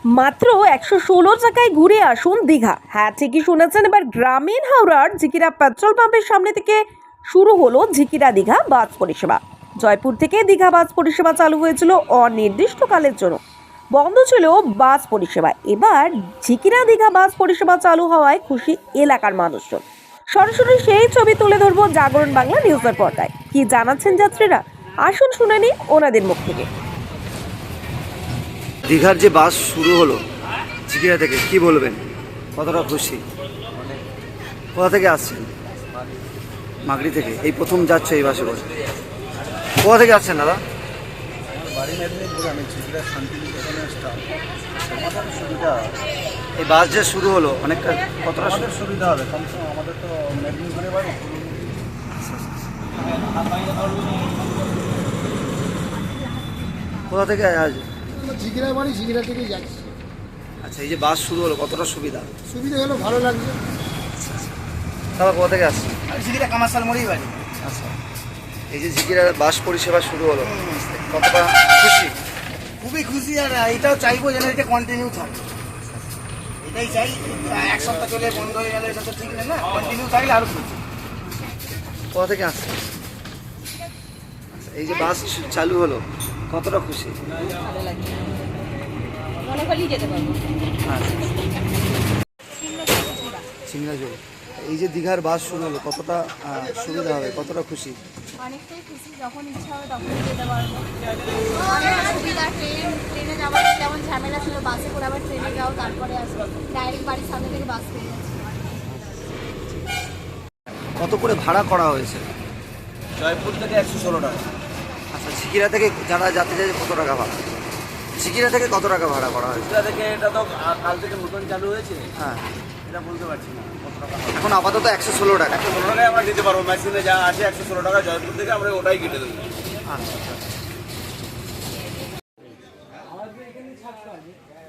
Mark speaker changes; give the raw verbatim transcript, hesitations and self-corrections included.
Speaker 1: মাত্র একশো ষোলো টাকায় ঘুরে আসুন দীঘা। হ্যাঁ, ঠিকই শুনেছেন। এবার গ্রামীণ হাওড়ার ঝিকিরা পেট্রোল পাম্পের সামনে থেকে শুরু হলো ঝিকিরা দীঘা বাস পরিষেবা। জয়পুর থেকে দীঘা বাস পরিষেবা চালু হয়েছিল অনির্দিষ্টকালের জন্য, বন্ধ ছিল বাস পরিষেবা। এবার ঝিকিরা দীঘা বাস পরিষেবা চালু হওয়ায় খুশি এলাকার মানুষজন। সরাসরি সেই ছবি তুলে ধরবো জাগরণ বাংলা নিউজের পর্দায়। কি জানাচ্ছেন যাত্রীরা, আসুন শুনে নিই ওনাদের মুখ থেকে।
Speaker 2: দীঘার যে বাস শুরু হলো ঝিকিরা থেকে, কি বলবেন? কতটা খুশি? কোথা থেকে আসছেন? মাগড়ি থেকে। এই প্রথম যাচ্ছে এই বাসে করে? কোথা থেকে আসছেন দাদা?
Speaker 3: বাড়ি মেদিনীপুর, আমি ঝিকিরা শান্তিনিকেতনের স্টাফ। আমাদের সুবিধা,
Speaker 2: এই বাস যে শুরু হলো অনেকটা কতটা
Speaker 3: আমাদের সুবিধা হবে, কমসে কম আমাদের তো মেদিনীপুরে বাড়ি।
Speaker 2: কোথা থেকে আজ?
Speaker 4: ঝিকিরা বাড়ি, ঝিকিরা থেকেই যাচ্ছি।
Speaker 2: আচ্ছা, এই যে বাস শুরু হলো কতটা সুবিধা?
Speaker 4: সুবিধা হলো, ভালো লাগছে।
Speaker 2: দাদা কোথা থেকে আসছেন?
Speaker 3: আমি ঝিকিরা কামারশাল মোড়েই বাড়ি।
Speaker 2: আচ্ছা, এই যে ঝিকিরা বাস পরিষেবা শুরু হলো কতটা খুশি?
Speaker 3: খুবই খুশি, আর এটাও চাইবো যেন এটা কন্টিনিউ থাকে। এটাই চাই, এক সপ্তাহ চলে বন্ধ হয়ে গেলে এটা তো ঠিক না, না কন্টিনিউ থাকলে আরও খুশি।
Speaker 2: কোথা থেকে আসছেন? আচ্ছা, এই যে বাস চালু হলো কতটা খুশি?
Speaker 5: মনে করলেই যেতে পারবো।
Speaker 2: সিংড়াজোড়। এই যে দীঘার বাস শুরু হলো কতটা আহ, সুবিধা হবে, কতটা খুশি?
Speaker 5: অনেকটাই খুশি, যখন ইচ্ছা হবে তখন যেতে পারবো। অনেক সুবিধা, ট্রেন ট্রেনে যাওয়ার যেমন ঝামেলা ছিল, বাসে করে আবার ট্রেনে যাও তারপরে আসবো, ডাইরেক্ট বাড়ির সামনে থেকে বাস পেয়ে যাচ্ছি।
Speaker 2: কত করে ভাড়া করা হয়েছে?
Speaker 3: জয়পুর থেকে একশো ষোলো টাকা।
Speaker 2: আচ্ছা, ঝিকিরা থেকে যারা যেতে চাই কত টাকা ভাড়া? ঝিকিরা থেকে কত টাকা ভাড়া করা হয়েছে?
Speaker 3: ঝিকিরা থেকে এটা তো কাল থেকে নতুন চালু হয়েছে,
Speaker 2: হ্যাঁ,
Speaker 3: এটা বলতে পারছি না কত টাকা।
Speaker 2: এখন আপাতত একশো ষোলো টাকা।
Speaker 3: একশো ষোলো টাকায় আমরা দিতে পারবো, মেশিনে যা আছে একশো ষোলো টাকা, জয়পুর থেকে আমরা ওটাই কেটে দেবো।
Speaker 2: আচ্ছা আচ্ছা।